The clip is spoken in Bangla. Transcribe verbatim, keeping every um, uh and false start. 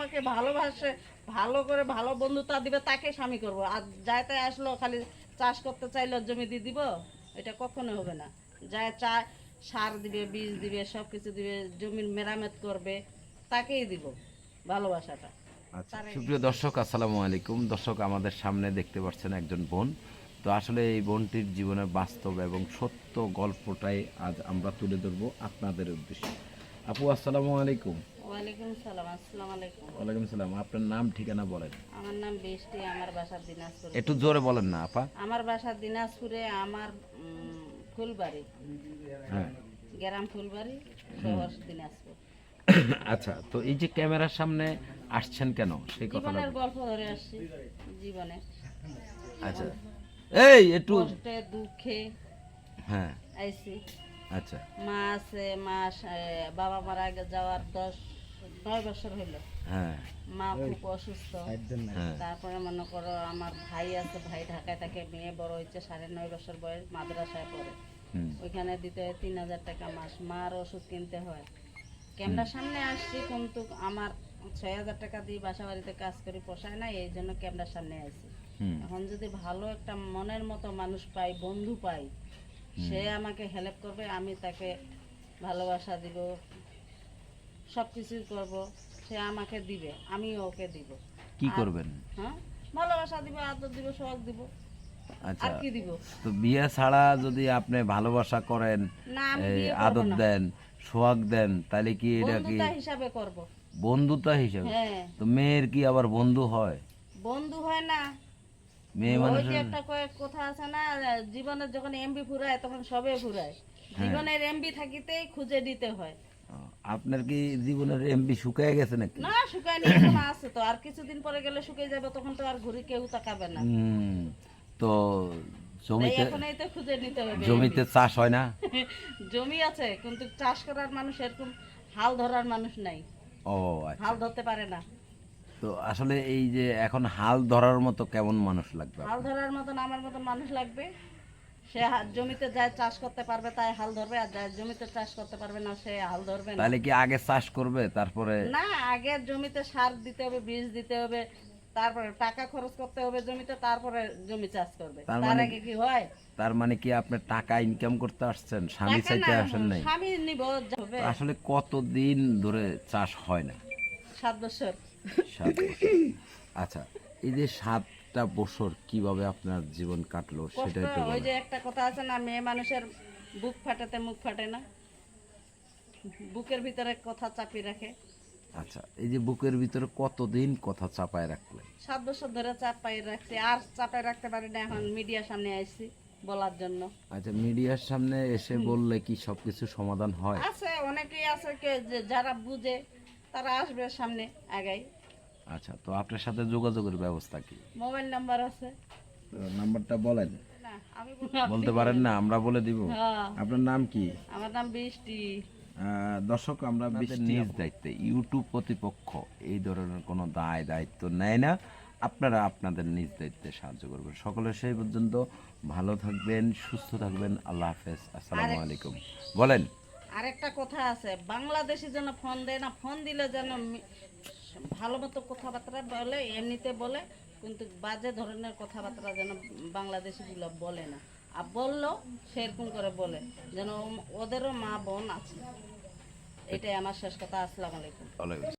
আমাকে ভালোবাসে, ভালো করে ভালো বন্ধুতা দিবে তাকে স্বামী করব। আর যাইতে আসলো খালি চাষ করতে চাইলে জমি দিয়ে দিব, এটা কখনো হবে না। যায় চায় সার দিবে, বীজ দিবে, সব কিছু দিবে, জমির মেরামত করবে, তাকেই দিব ভালোবাসাটা। আচ্ছা, সুপ্রিয় দর্শক আসসালামু আলাইকুম। দর্শক, আমাদের সামনে দেখতে পাচ্ছেন একজন বোন। তো আসলে এই বোনটির জীবনের বাস্তব এবং সত্য গল্পটাই আজ আমরা তুলে ধরবো আপনাদের উদ্দেশ্যে। আপু আসসালামু আলাইকুম। ওয়ালাইকুম সালাম। আসসালামু আলাইকুম। ওয়ালাইকুম সালাম। আপনার নাম ঠিকানা বলেন। আমার নাম বৃষ্টি, আমার বাসা দিনাজপুর। একটু জোরে বলেন না আপা। আমার বাসা দিনাজপুরে, আমার উম, ফুলবাড়ি, হ্যাঁ। গ্রাম ফুলবাড়ি, শহর দিনাজপুর। আচ্ছা, তো এই যে ক্যামেরার সামনে আসছেন কেন সেই কথাটা জীবনের গল্প ধরে আসছি, জীবনে আচ্ছা, এই একটু কষ্টে দুঃখে হ্যাঁ আইছি। আচ্ছা মা আছে, মা আহ, বাবা মারা আগে যাওয়ার দশ নয় বছর হইলো। হ্যাঁ মা খুব অসুস্থ। হ্যাঁ তারপরে মনে করো আমার ভাই আছে, ভাই ঢাকায় থাকে, মেয়ে বড় হচ্ছে, সাড়ে নয় বছর বয়স, মাদ্রাসায় পড়ে। হুম ওইখানে দিতে হয় তিন হাজার টাকা মাস, মার ওষুধ কিনতে হয়। ক্যামেরার সামনে আসছি, কিন্তু আমার ছয় হাজার টাকা দিয়ে বাসা বাড়িতে কাজ করি, পোষায় না, এই জন্য ক্যামেরার সামনে আসছি। হুম এখন যদি ভালো একটা মনের মতো মানুষ পাই, বন্ধু পাই, সে আমাকে হেল্প করবে, আমি তাকে ভালোবাসা দিব, সব কিছুই করবো, সে আমাকে দিবে, আমি ওকে দিব। কি আর- করবেন? হ্যাঁ, ভালোবাসা দিব, আদর দিব, সোহাগ দিব, আচ্ছা, আর কি দিব? তো বিয়ে ছাড়া যদি আপনি ভালোবাসা করেন, না, আমি এই বিয়ে করবো আদর না, দেন, সোহাগ দেন, তাহলে কি এটা কি বন্ধুতা হিসাবে করব। বন্ধুতা হিসেবে? হ্যাঁ, তো মেয়ের কি আবার বন্ধু হয়? বন্ধু হয় না। মেয়ে ওই মানুষ যে একটা কয়েক কথা আছে না, জীবনের যখন এমবি ফুরায় তখন সবে ফুরায়। জীবনের এমবি থাকিতেই খুঁজে দিতে হয়। আপনার কি জীবনের এমবি শুকিয়ে গেছে নাকি? না, শুকায়নি, এখন আছে তো, আর কিছুদিন পরে গেলে শুকিয়ে যাবে, তখন তো আর ঘুরে কেউ তাকাবে না। হুম, তো তাই জমিতে এখনই তো খুঁজে নিতে হবে। জমিতে চাষ হয় না? জমি আছে, কিন্তু চাষ করার মানুষ এরকম হাল ধরার মানুষ নাই, ও আচ্ছা, হাল ধরতে পারে না। তো আসলে এই যে এখন হাল ধরার মতো কেমন মানুষ লাগবে হাল আপনার? ধরার মতন আমার মতন মানুষ লাগবে। সে হা- জমিতে যায় চাষ করতে পারবে, তাই হাল ধরবে, আর যায় জমিতে চাষ করতে পারবে না, সে হাল ধরবে না। তাহলে কি আগে চাষ করবে তারপরে? না, আগে জমিতে সার দিতে হবে, বীজ দিতে হবে, তারপরে টাকা খরচ করতে হবে জমিতে, তারপরে জমি চাষ করবে। তার তার মানে আগে কি হয়? তার মানে কি আপনি টাকা ইনকাম করতে আসছেন, স্বামী টাকা চাইতে না, আসেন নাই? স্বামী নিব হবে। তো আসলে কতদিন ধরে চাষ হয় না? সাত বছর। সাত বছর। আচ্ছা, এই যে সাতটা বছর কিভাবে আপনার জীবন কাটলো কষ্ট। সেটা একটু ওই বলেন। যে একটা কথা আছে না, মেয়ে মানুষের বুক ফাটাতে মুখ ফাটে না, বুকের ভিতরে কথা চাপিয়ে রাখে। আচ্ছা, এই যে বুকের ভিতরে কতদিন কথা চাপায় রাখলেন? সাত বছর ধরে চাপাই রাখছি, আর চাপাই রাখতে পারি না, এখন মিডিয়ার সামনে আসছি বলার জন্য। আচ্ছা, মিডিয়ার সামনে এসে বললে কি সবকিছু সমাধান হয়? আছে, অনেকেই আছে কে যে যারা বুঝে, তারা আসবে সামনে আগাই। আচ্ছা, তো আপনার সাথে যোগাযোগের ব্যবস্থা কি? মোবাইল নাম্বার আছে। তো নাম্বারটা বলেন। না, আমি বলবো, আপনি বলতে পারেন না, আমরা বলে দিব। হ্যাঁ, আপনার নাম কি? আমার নাম বৃষ্টি। আহ, দর্শক, আমরা নিজ দায়িত্বে, ইউটিউব কর্তৃপক্ষ এই ধরনের কোনো দায় দায়িত্ব নেয় না। আপনারা আপনাদের নিজ দায়িত্বে সাহায্য করবেন। সকলে সেই পর্যন্ত ভালো থাকবেন, সুস্থ থাকবেন। আল্লাহ হাফেজ, আসসালামু আলাইকুম। বলেন। আরেকটা কথা আছে, বাংলাদেশি যেন ফোন দেয় না, ফোন দিলে যেন মি- ভালো মতো কথাবার্তা বলে, এমনিতে বলে, কিন্তু বাজে ধরনের কথাবার্তা যেন বাংলাদেশিগুলো বলে না। আর বললো সেরকম করে বলে, যেন ওদেরও মা বোন আছে। এটাই আমার শেষ কথা। আসসালামু আলাইকুম। ওয়ালাইকুম